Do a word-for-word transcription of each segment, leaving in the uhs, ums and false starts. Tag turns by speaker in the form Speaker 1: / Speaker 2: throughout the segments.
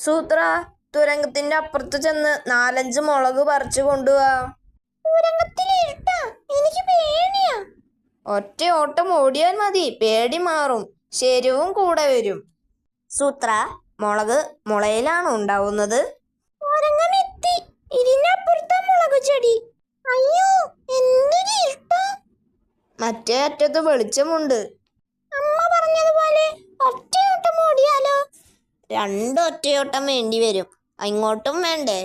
Speaker 1: സൂത്ര, തുരങ്കത്തിന്റെ അപ്പുറത്ത് ചെന്ന് നാലഞ്ച് മുളക് പറിച്ചു കൊണ്ടുപോവാ. എനിക്ക് പേടിയാ. ഒറ്റ ഓട്ടം ഓടിയാൽ മതി, പേടി മാറും. ശരിവും കൂടെ വരും. സൂത്ര, മുളക് മുളയിലാണ് ഉണ്ടാവുന്നത്. മുളക് ചെടി. അയ്യോ, എന്തൊരു ഇഷ്ടം. മറ്റേ അറ്റത്ത് വെളിച്ചമുണ്ട്. അമ്മ പറഞ്ഞതുപോലെ ഒറ്റയോട്ടം ഓടിയാലോ? രണ്ട് ഒറ്റയോട്ടം വേണ്ടി വരും. ഇങ്ങോട്ടും വേണ്ടേ?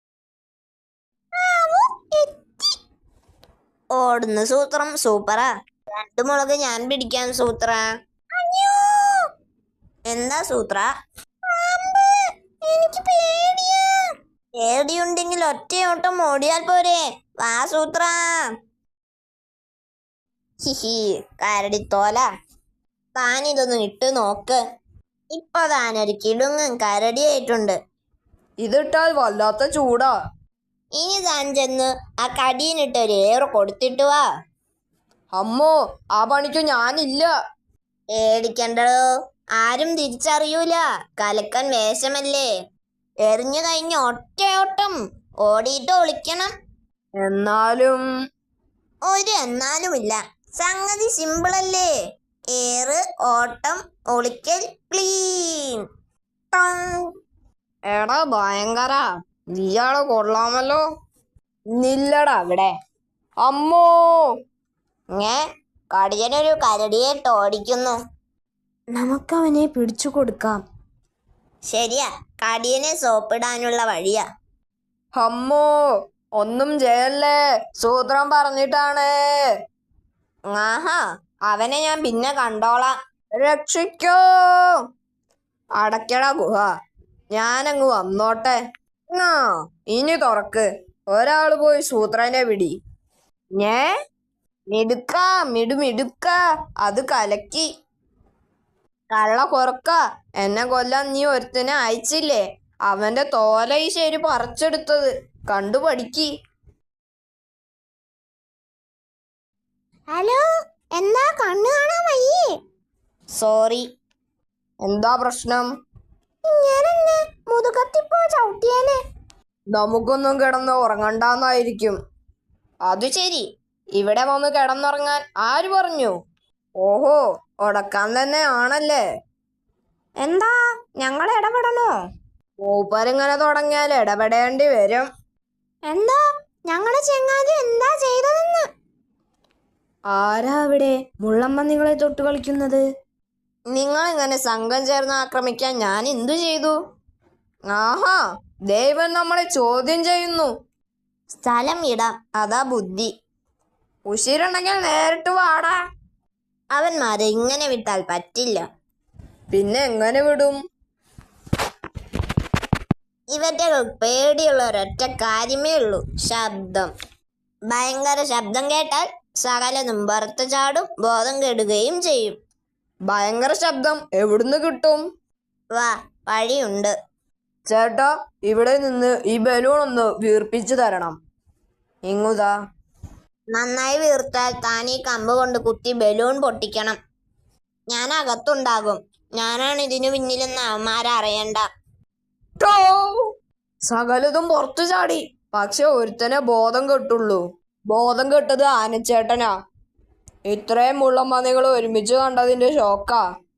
Speaker 1: ഓടുന്ന സൂത്രം സൂപ്പറാ. രണ്ട് മുളക് ഞാൻ പിടിക്കാൻ സൂത്ര. എന്താ സൂത്ര? എനിക്ക് പേടിയാ. പേടിയുണ്ടെങ്കിൽ ഒറ്റയോട്ടം ഓടിയാൽ പോരെ? വാ സൂത്ര. ഹിഹി, കരടിത്തോല. താനിതൊന്നും ഇട്ട് നോക്ക്. ഇപ്പൊ താനൊരു കിടുങ്ങും കരടിയായിട്ടുണ്ട്.
Speaker 2: ഇതിട്ടാൽ വല്ലാത്ത ചൂടാ.
Speaker 1: ഇനി താൻ ചെന്ന് ആ കടിയിനിട്ട് ഒരു ഏറ് കൊടുത്തിട്ട് വാ.
Speaker 2: അമ്മോ, ആ പണിക്ക് ഞാനില്ല.
Speaker 1: പേടിക്കണ്ടോ, ആരും തിരിച്ചറിയൂല. കലക്കൻ വേഷമല്ലേ. എറിഞ്ഞു കഴിഞ്ഞ ഒറ്റയോട്ടം ഓടിയിട്ട് ഒളിക്കണം.
Speaker 2: എന്നാലും
Speaker 1: ഒരു എന്നാലുമില്ല. സംഗതി സിമ്പിളല്ലേ. ഏറ്, ഓട്ടം, ഒളിക്കൽ, ക്ലീൻ.
Speaker 2: എടാ ഭയങ്കര, നീയാള് കൊള്ളാമല്ലോ. നില്ലടാ അവിടെ. അമ്മോ,
Speaker 1: ഏ കടിയനൊരു കരടിയെ ഓടിക്കുന്നു.
Speaker 2: നമുക്കവനെ പിടിച്ചു കൊടുക്കാം.
Speaker 1: ശരിയാ, കടിയനെ സോപ്പിടാനുള്ള വഴിയാ.
Speaker 2: അമ്മോ, ഒന്നും ചെയ്യല്ലേ, സൂത്രം പറഞ്ഞിട്ടാണ്.
Speaker 1: ആഹാ, അവനെ ഞാൻ പിന്നെ കണ്ടോളാം.
Speaker 2: രക്ഷിക്കോ. അടയ്ക്കട ഗുഹ, ഞാനങ്ങ് വന്നോട്ടെ. ആ, ഇനി തുറക്ക്. ഒരാള് പോയി സൂത്രനെ പിടി. ഞേ മിടുക്ക, മിടുമിടുക്ക, അത് കലക്കി. കള്ള കൊറക്ക, എന്നെ കൊല്ലാൻ നീ ഒരുത്തനെ അയച്ചില്ലേ? അവന്റെ തോല ഈ ശരി പറിച്ചെടുത്തത് കണ്ടു പഠിക്ക്.
Speaker 1: ഹലോ, എന്താ കണ്ണു കാണാൻ വയ്യേ? സോറി.
Speaker 2: എന്താ പ്രശ്നം?
Speaker 1: ഞാനെന്നെ മുതുകത്തിപ്പോ ചവിട്ടിയേനെ.
Speaker 2: നമുക്കൊന്നും കിടന്ന് ഉറങ്ങണ്ടാന്നായിരിക്കും.
Speaker 1: അത് ശരി.
Speaker 2: ഇവിടെ വന്ന് കിടന്നുറങ്ങാൻ ആര് പറഞ്ഞു? ഓഹോ, ഉടക്കാൻ തന്നെ ആണല്ലേ.
Speaker 1: എന്താ, ഞങ്ങൾ ഇടപെടണോ?
Speaker 2: മൂപ്പരിങ്ങനെ തുടങ്ങിയാൽ ഇടപെടേണ്ടി വരും.
Speaker 1: എന്താ ഞങ്ങളെ ചെങ്ങാതി എന്താ ചെയ്തതെന്ന്?
Speaker 2: ആരാ അവിടെ മുള്ളമ്പന്നികളെ തൊട്ട് കളിക്കുന്നത്?
Speaker 1: നിങ്ങൾ ഇങ്ങനെ സംഘം ചേർന്ന് ആക്രമിക്കാൻ ഞാൻ എന്തു ചെയ്തു?
Speaker 2: ആഹാ, ദൈവം നമ്മളെ ചോദ്യം ചെയ്യുന്നു.
Speaker 1: സ്ഥലം ഇടാം, അതാ ബുദ്ധി.
Speaker 2: ഉശിരുണ്ടെങ്കിൽ നേരിട്ട് വാടാ.
Speaker 1: അവന്മാരെ ഇങ്ങനെ വിട്ടാൽ പറ്റില്ല.
Speaker 2: പിന്നെ എങ്ങനെ വിടും?
Speaker 1: ഇവറ്റ പേടിയുള്ള ഒരൊറ്റ കാര്യമേ ഉള്ളൂ, ശബ്ദം. ഭയങ്കര ശബ്ദം കേട്ടാൽ സകലതും പുറത്ത് ചാടും, ബോധം കെടുകയും ചെയ്യും.
Speaker 2: ഭയങ്കര ശബ്ദം എവിടുന്ന് കിട്ടും?
Speaker 1: വാ, വഴിയുണ്ട്.
Speaker 2: ചേട്ടാ, ഇവിടെ നിന്ന് ഈ ബലൂൺ ഒന്ന് വീർപ്പിച്ചു തരണം. ഇങ്ങുതാ.
Speaker 1: നന്നായി വീർത്താൽ താൻ ഈ കമ്പ് കൊണ്ട് കുത്തി ബലൂൺ പൊട്ടിക്കണം. ഞാൻ അകത്തുണ്ടാകും. ഞാനാണ് ഇതിനു പിന്നിലെന്ന് അവന്മാരറിയണ്ട.
Speaker 2: സകലതും പുറത്തു ചാടി. പക്ഷെ ഒരുത്തനെ ബോധം കെട്ടുള്ളൂ. ബോധം കെട്ടത് ആനച്ചേട്ടനാ. ഇത്രയും മുള്ളമ്പന്നികൾ ഒരുമിച്ച് കണ്ടതിന്റെ ഷോക്കാ.